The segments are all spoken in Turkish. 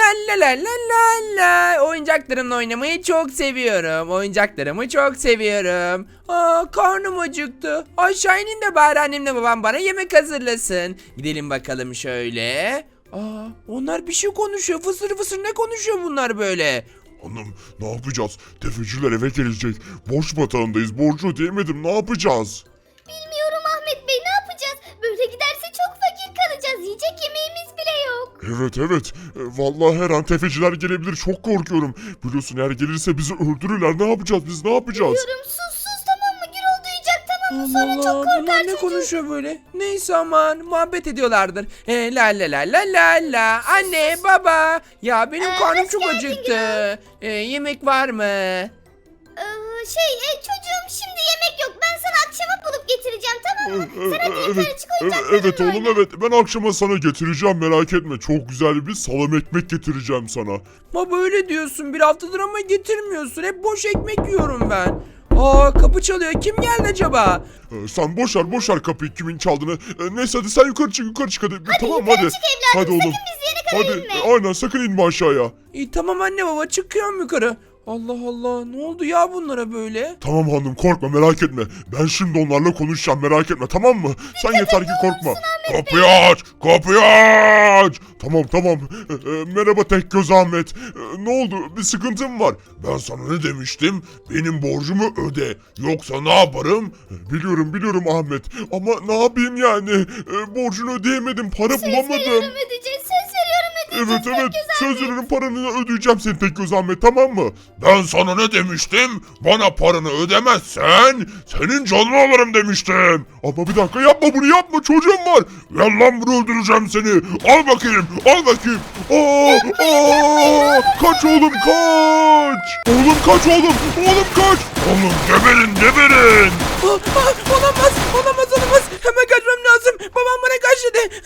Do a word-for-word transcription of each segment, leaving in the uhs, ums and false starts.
la la la la la. Oyuncaklarımla oynamayı çok seviyorum. Oyuncaklarımı çok seviyorum. Aa, karnım acıktı. Aşağı inin de bari annemle babam bana yemek hazırlasın. Gidelim bakalım şöyle. Aa, onlar bir şey konuşuyor. Fısır fısır ne konuşuyor bunlar böyle? Hanım ne yapacağız? Tefeciler eve gelecek. Borç batağındayız. Borcu ödeyemedim. Ne yapacağız? Bilmiyorum Ahmet Bey, ne yapacağız? Böyle giderse çok fakir kalacağız. Yiyecek yemeğimiz bile yok. Evet evet. E, Vallahi her an tefeciler gelebilir. Çok korkuyorum. Biliyorsun eğer gelirse bizi öldürürler. Ne yapacağız biz? Ne yapacağız? Diyorum sus sus, tamam mı? Gürol duyacak, tamam mı? Sonra Allah çok Allah, korkar bunlar ne çocuk. konuşuyor böyle? Neyse aman muhabbet ediyorlardır. E, la la la la la la. Anne baba. Ya benim Ee, karnım hoş çok geldin acıktı. E, yemek var mı? Ee, şey e, çocuğum, şimdi yemek yok. Ben sana akşama bulup getireceğim, tamam mı? E, Sen hadi e, yukarı çık, e, oyuncaklarınla evet oğlum oyna. evet. Ben akşama sana getireceğim. Merak etme. Çok güzel bir salam ekmek getireceğim sana. Baba öyle diyorsun. Bir haftadır ama getirmiyorsun. Hep boş ekmek yiyorum ben. Aa, kapı çalıyor. Kim geldi acaba? E, sen boşver boşver kapıyı kimin çaldığını. E, neyse hadi sen yukarı çık yukarı çık hadi. tamam yukarı hadi. çık evladım, Hadi oğlum. sakın biz yere kadar Hadi inme. e, aynen sakın inme aşağıya. İyi tamam anne baba çıkıyorum yukarı. Allah Allah, ne oldu ya bunlara böyle? Tamam hanım korkma merak etme. Ben şimdi onlarla konuşacağım merak etme tamam mı? Sen yeter ki korkma. Kapıyı aç! Kapıyı aç! Tamam tamam. Ee, e, merhaba tek göz Ahmet. Ee, ne oldu? Bir sıkıntın var. Ben sana ne demiştim? Benim borcumu öde. Yoksa ne yaparım? Ee, biliyorum biliyorum Ahmet. Ama ne yapayım yani? Ee, borcunu ödeyemedim. Para bulamadım. Veriyorum, ödeyeceğiz. Söz veriyorum, ödeyeceğiz. Evet evet. Tek göz Söz Ahmet. veriyorum paranı ödeyeceğim senin tek göz Ahmet tamam mı? Ben sana ne demiştim? Bana paranı ödemezsen senin canını alırım demiştim. Ama bir dakika yapma bunu yapma çocuğum var. Gel lan bunu öldüreceğim seni. Al bakayım al bakayım. Aa, aa, kaç oğlum kaç. Oğlum kaç oğlum. Oğlum kaç. Oğlum geberin geberin. Aa, aa, olamaz olamaz olamaz. Hemen kaçmam lazım. Babam bana kaç dedi.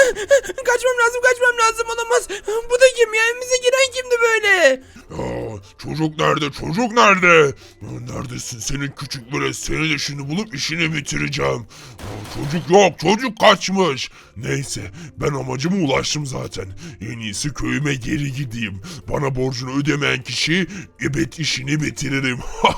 Kaçmam lazım kaçmam lazım, olamaz. Bu da kim ya? Evimize giren kimdi böyle? Ya, çocuk nerede? Çocuk nerede? Ya, neredesin senin küçük böyle? Seni de şimdi bulup işini bitireceğim. Ya, çocuk yok. Çocuk kaçmış. Neyse ben amacıma ulaştım zaten. En iyisi köyüme geri gideyim. Bana borcunu ödemeyen kişi ebed işini bitiririm.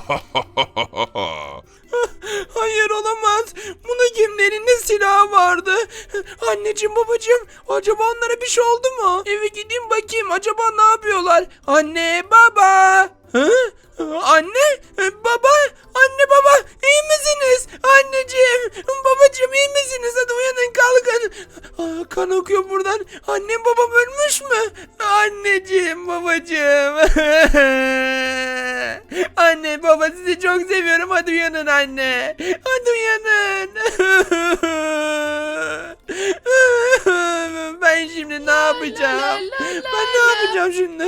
Hayır olamaz. Buna kimin elinde silah vardı? Anneciğim babacığım, acaba onlara bir şey oldu mu? Eve gideyim bakayım, acaba ne yapıyorlar? Anne baba. Hı? Anne baba, anne baba, iyi misiniz? Anneciğim babacığım, iyi misiniz? Hadi uyanın kalkın. Aa, kan akıyor buradan. Annem babam ölmüş mü? Anneciğim babacığım. Anne baba, sizi çok seviyorum. Hadi uyanın anne. Hadi uyanın. Ben şimdi ne yapacağım? la la la Ben ne la. yapacağım şimdi?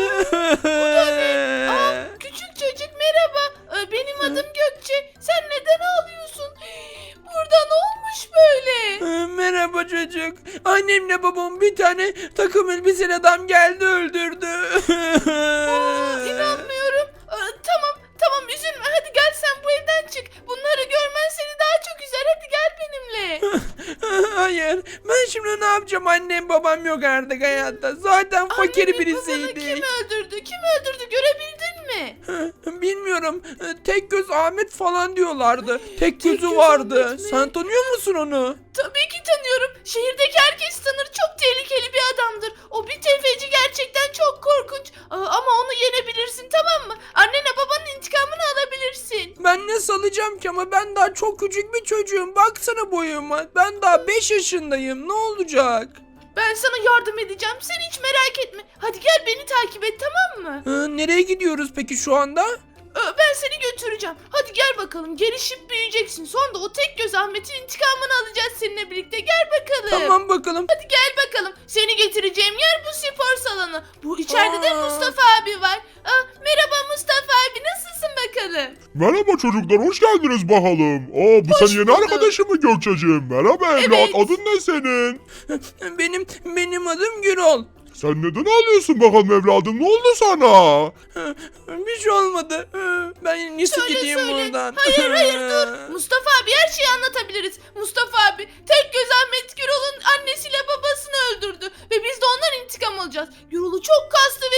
Aa, küçük çocuk merhaba. Ee, benim adım Gökçe. Sen neden ağlıyorsun? Burada ne olmuş böyle? Ee, Merhaba çocuk. Annemle babam bir tane takım elbiseli adam geldi öldürdü. Aa, inanmıyorum. Aa, tamam tamam üzülme. Hadi gel sen bu evden çık. Bunları görmen seni daha çok üzer. Hadi gel benimle. Hayır. Ben şimdi ne yapacağım? Annem babam yok artık hayatta. Zaten fakir Anneni, babanı birisiydik. kim öldürdü? Kim öldürdü? Görebildin mi? Bilmiyorum. Tek göz Ahmet falan diyorlardı. Tek gözü göz vardı. Ahmet mi? Sen tanıyor musun onu? Tabii ki tanıyorum. Şehirdeki herkes tanır. Çok tehlikeli bir adamdır. O bir tefeci, gerçekten çok korkunç. Aa, ama onu yenebilirsin, tamam mı? Annene babanın intikamını alabilirsin. Ben ne salacağım ki, ama ben daha çok küçük bir çocuğum. Baksana boyuma. Ben daha beş yaşındayım. Ne olacak? Ben sana yardım edeceğim. Sen hiç merak etme. Hadi gel beni takip et, tamam mı? Ee, nereye gidiyoruz peki şu anda? Ee, Ben seni götüreceğim. Hadi gel bakalım. Gelişip büyüyeceksin. Sonra da o tek göz Ahmet'in intikamını alacağız seninle birlikte. Gel bakalım. Tamam bakalım. Hadi gel bakalım. Seni getireceğim yer bu spor salonu. Bu içeride de Aa. Mustafa abi var. Aa, merhaba Mustafa abi. Nasılsın bakalım? Merhaba çocuklar hoş geldiniz bakalım. Aa bu Hoş senin yeni bulduk. arkadaşın mı Gökçe'cim? Merhaba evlat Evet. adın ne senin? Benim benim adım Gürol. Sen neden ağlıyorsun bakalım evladım? Ne oldu sana? Bir şey olmadı. Ben en iyisi Söyle gideyim söyle. buradan. Hayır hayır dur. Mustafa abi her şeyi anlatabiliriz. Mustafa abi tek göz Ahmet Gürol'un annesiyle babasını öldürdü. Ve biz de ondan intikam alacağız. Gürol'u çok kaslı ve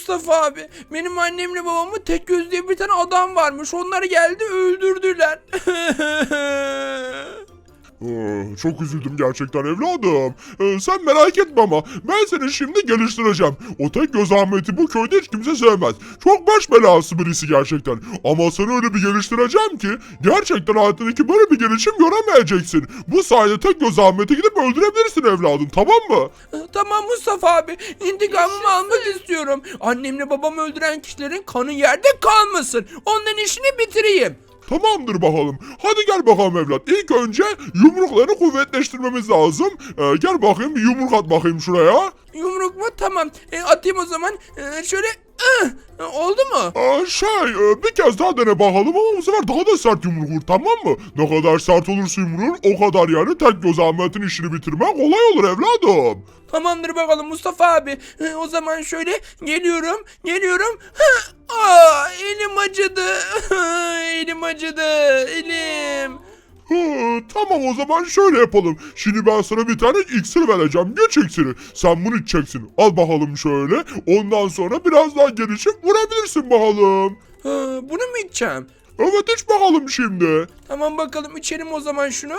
Mustafa abi. Benim annemle babamı tek göz diye bir tane adam varmış. Onlar geldi öldürdüler. Ee, Çok üzüldüm gerçekten evladım. Ee, sen merak etme ama ben seni şimdi geliştireceğim. O tek göz Ahmet'i bu köyde hiç kimse sevmez. Çok baş belası birisi gerçekten. Ama seni öyle bir geliştireceğim ki gerçekten hayatındaki böyle bir gelişim göremeyeceksin. Bu sayede tek göz Ahmet'i gidip öldürebilirsin evladım, tamam mı? Tamam Mustafa abi. İntikamımı almak istiyorum. Annemle babamı öldüren kişilerin kanı yerde kalmasın. Onların işini bitireyim. Tamamdır bakalım. Hadi gel bakalım evlat. İlk önce yumruklarını kuvvetleştirmemiz lazım. Ee, gel bakayım bir yumruk at bakayım şuraya. Yumruk mu? Tamam. E, atayım o zaman. E, şöyle. ıh! Oldu mu? Aa, şey e, bir kez daha dene bakalım ama bu sefer daha da sert yumruk vur, tamam mı? Ne kadar sert olursa yumruğun o kadar yani tek göz Ahmet'in işini bitirmek kolay olur evladım. Tamamdır bakalım Mustafa abi. E, o zaman şöyle geliyorum. Geliyorum. Hı! Aa, elim acıdı. Elim acıdı. Elim. Hı, tamam o zaman şöyle yapalım. Şimdi ben sana bir tane iksir vereceğim. Güç iksiri. Sen bunu içeceksin. Al bakalım şöyle. Ondan sonra biraz daha gelişip vurabilirsin bakalım. Ha, bunu mu içeceğim? Evet iç bakalım şimdi. Tamam bakalım içelim o zaman şunu.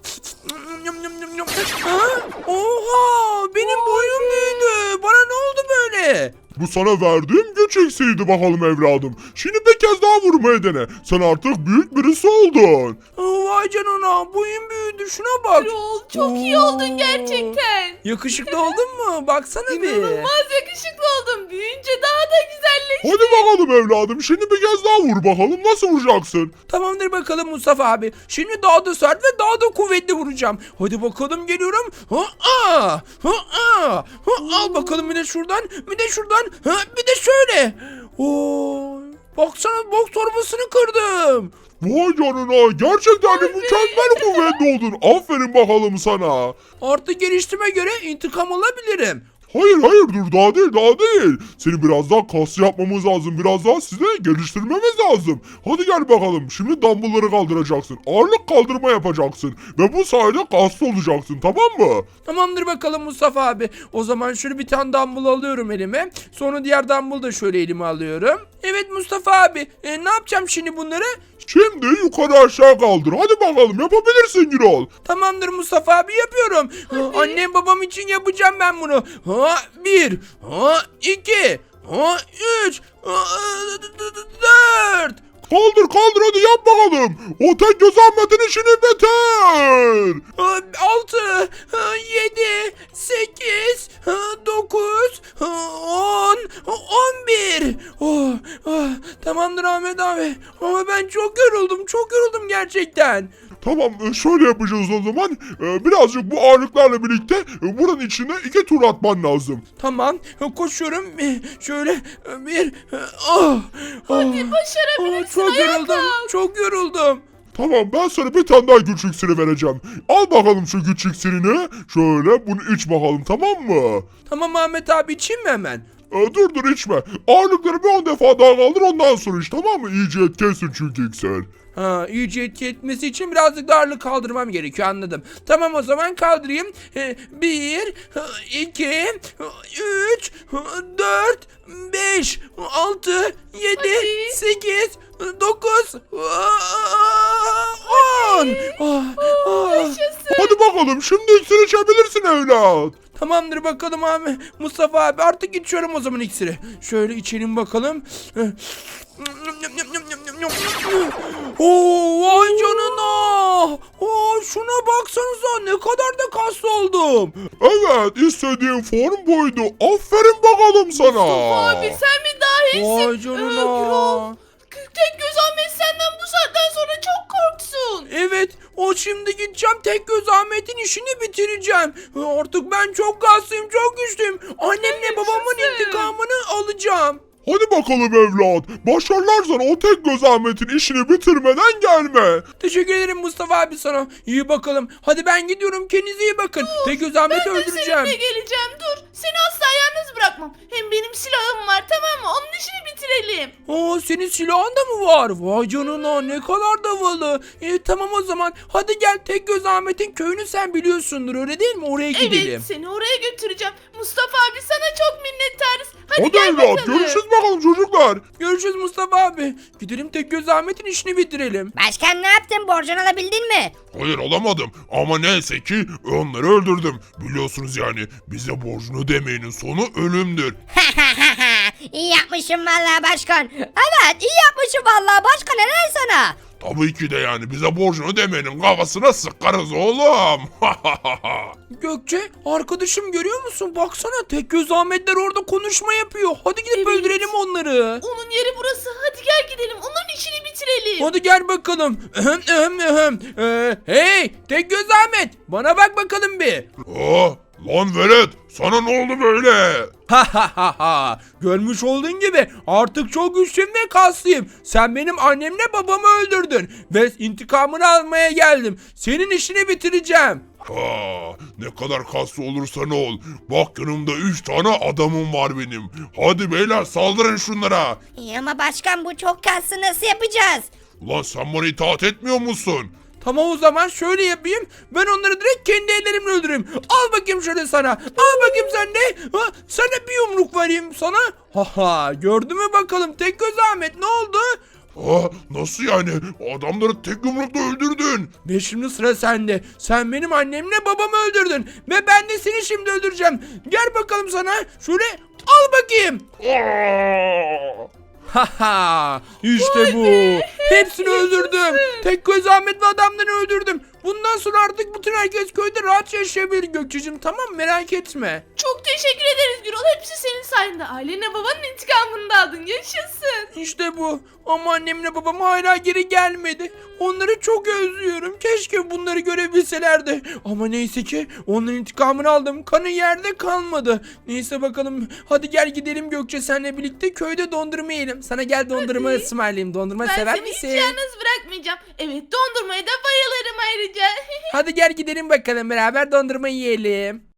Ha? Oha benim boyum büyüdü. Bana ne oldu böyle? Bu sana verdiğim güç iksiriydi bakalım evladım. Şimdi bir kez daha vurmayı dene. Sen artık büyük birisi oldun. Aa, vay canına boyum büyüdü şuna bak. Gürol çok iyi oldun gerçekten. Yakışıklı oldun mu? Baksana bir. İnanılmaz yakışıklı oldun. Büyüyünce daha da güzelleştin. Hadi bakalım evladım. Şimdi bir kez daha vur bakalım. Nasıl vuracaksın? Tamamdır bakalım Mustafa abi. Şimdi daha da sert ve daha da kuvvetli vuracağım. Hadi bakalım geliyorum. Ha, aa, ha, aa. Ha, al bakalım bir de şuradan, bir de şuradan, ha, bir de şöyle. Oo, baksana boks torbasını kırdım. Vay canına. Gerçekten de mükemmel kuvvetli oldun. Aferin bakalım sana. Artık geliştiğime göre intikam alabilirim. Hayır hayır dur daha değil daha değil. Seni biraz daha kaslı yapmamız lazım. Biraz daha size geliştirmemiz lazım. Hadi gel bakalım. Şimdi dumbbellları kaldıracaksın. Ağırlık kaldırma yapacaksın. Ve bu sayede kaslı olacaksın, tamam mı? Tamamdır bakalım Mustafa abi. O zaman şöyle bir tane dumbbell alıyorum elime. Sonra diğer dumbbell da şöyle elime alıyorum. Evet Mustafa abi. E, ne yapacağım şimdi bunları? Şimdi yukarı aşağı kaldır. Hadi bakalım yapabilirsin Gürol. Tamamdır Mustafa abi yapıyorum. Ha, annem babam için yapacağım ben bunu. Ha bir, ha iki, ha üç, ha dört. Kaldır kaldır hadi yap bakalım. O tek göz Ahmet'in işini bitir. Ha, altı, ha, yedi, sekiz, ha, dokuz, ha, on, ha, on bir. Oh, ah, tamamdır Ahmet abi. Ama ben çok yoruldum, çok yoruldum gerçekten. Tamam e, şöyle yapacağız o zaman. E, Birazcık bu ağırlıklarla birlikte e, buranın içine iki tur atman lazım. Tamam, koşuyorum. Şöyle bir, oh, Hadi oh. başarabilirsin. Çok Ayağa yoruldum. kalk. Çok yoruldum. Tamam ben sana bir tane daha güç iksiri vereceğim. Al bakalım şu güç iksirini. Şöyle bunu iç bakalım, tamam mı? Tamam Ahmet abi içeyim mi hemen? E, dur dur içme. Ağırlıkları bir on defa daha kaldır ondan sonra iç, tamam mı? İyice etkensin çünkü iksir. Ha, iyice etki etmesi için birazcık da ağırlık kaldırmam gerekiyor, anladım. Tamam o zaman kaldırayım. Ee, Bir, iki, üç, dört, beş, altı, yedi, Hadi. sekiz, dokuz, on. Ah, ah. Yaşasın. Hadi bakalım şimdi iksir içebilirsin evlat. Tamamdır bakalım abi. Mustafa abi artık içiyorum o zaman iksiri. Şöyle içelim bakalım. Oo, vay canına. Oo, şuna baksanıza ne kadar da kaslı oldum. Evet istediğin form buydu. Aferin bakalım sana. Abi sen mi dahisin? Vay Ee, canına. Gürol, tek göz Ahmet senden bu saatten sonra çok korksun. Evet, o şimdi gideceğim tek göz Ahmet'in işini bitireceğim. Artık ben çok kaslıyım, çok güçlüyüm. Annemle babamın Yaşasın. intikamını alacağım. Hadi bakalım evlat. Başarılar sana, o tek göz Ahmet'in işini bitirmeden gelme. Teşekkür ederim Mustafa abi sana. İyi bakalım. Hadi ben gidiyorum. Kendinize iyi bakın. Tek göz Ahmet'i Ben de öldüreceğim. seninle geleceğim, dur. Seni asla yalnız bırakmam. Hem benim silahım var, tamam mı? Onun işini bitirelim. Aa, senin silahın da mı var? Vay canına ne kadar da havalı. E, tamam o zaman. Hadi gel tek göz Ahmet'in köyünü sen biliyorsundur öyle değil mi? Oraya gidelim. Evet, seni oraya götüreceğim. Mustafa abi sana çok minnettarız. Hadi, Hadi gel evlat bakalım. görüşürüz bakalım çocuklar. Görüşürüz Mustafa abi. Gidelim Tekgöz Ahmet'in işini bitirelim. Başkan ne yaptın? Borcunu alabildin mi? Hayır alamadım ama neyse ki onları öldürdüm. Biliyorsunuz yani bize borcunu ödemeyenin sonu ölümdür. İyi yapmışım vallahi başkan. Evet iyi yapmışım vallahi başkan, helal sana. Tabii ki de yani bize borcunu ödemeyenin kafasına sıkarız oğlum. Gökçe arkadaşım görüyor musun? Baksana Tekgöz Ahmetler orada konuşma yapıyor. Hadi gidip Evet. öldürelim onları. Onun yeri burası. Hadi gel gidelim. Onların işini bitirelim. Hadi gel bakalım. Ahem, ahem, ahem. Ee, hey Tekgöz Ahmet bana bak bakalım bir. Aa, lan velet sana ne oldu böyle? Ha ha ha ha. Görmüş olduğun gibi artık çok güçlüyüm ve kaslıyım. Sen benim annemle babamı öldürdün ve intikamını almaya geldim. Senin işini bitireceğim. Ha, ne kadar kaslı olursa ne ol. Bak yanımda üç tane adamım var benim. Hadi beyler saldırın şunlara. İyi ama başkan bu çok kaslı, nasıl yapacağız? Ulan sen bana itaat etmiyor musun? Tamam o zaman şöyle yapayım. Ben onları direkt kendi ellerimle öldüreyim. Al bakayım şöyle sana. Al bakayım sen de. Ha, sana bir yumruk vereyim sana. Haha gördün mü bakalım Tekgöz Ahmet ne oldu? Ha, nasıl yani? Adamları tek yumrukla öldürdün. Ve şimdi sıra sende. Sen benim annemle babamı öldürdün. Ve ben de seni şimdi öldüreceğim. Gel bakalım sana. Şöyle al bakayım. Aa! Haha işte bu. Hepsini öldürdüm. Tekgöz Ahmet ve adamları öldürdüm. Bundan sonra artık bütün herkes köyde rahat yaşayabilir Gökçe'cim, tamam merak etme. Çok teşekkür ederiz Gürol. Hepsi senin sayende. Ailene babanın intikamını da aldın. Yaşasın. İşte bu. Ama annemle babam hala geri gelmedi. Onları çok özlüyorum. Keşke bunları görebilselerdi. Ama neyse ki onların intikamını aldım. Kanı yerde kalmadı. Neyse bakalım. Hadi gel gidelim Gökçe senle birlikte köyde dondurma yiyelim. Sana gel dondurma Hadi. ısmarlayayım. Dondurma Ben sever seni hiç misin? yalnız bırakmayacağım. Evet, dondurmaya da bayılırım ayrıca. Hadi gel gidelim bakalım beraber dondurma yiyelim.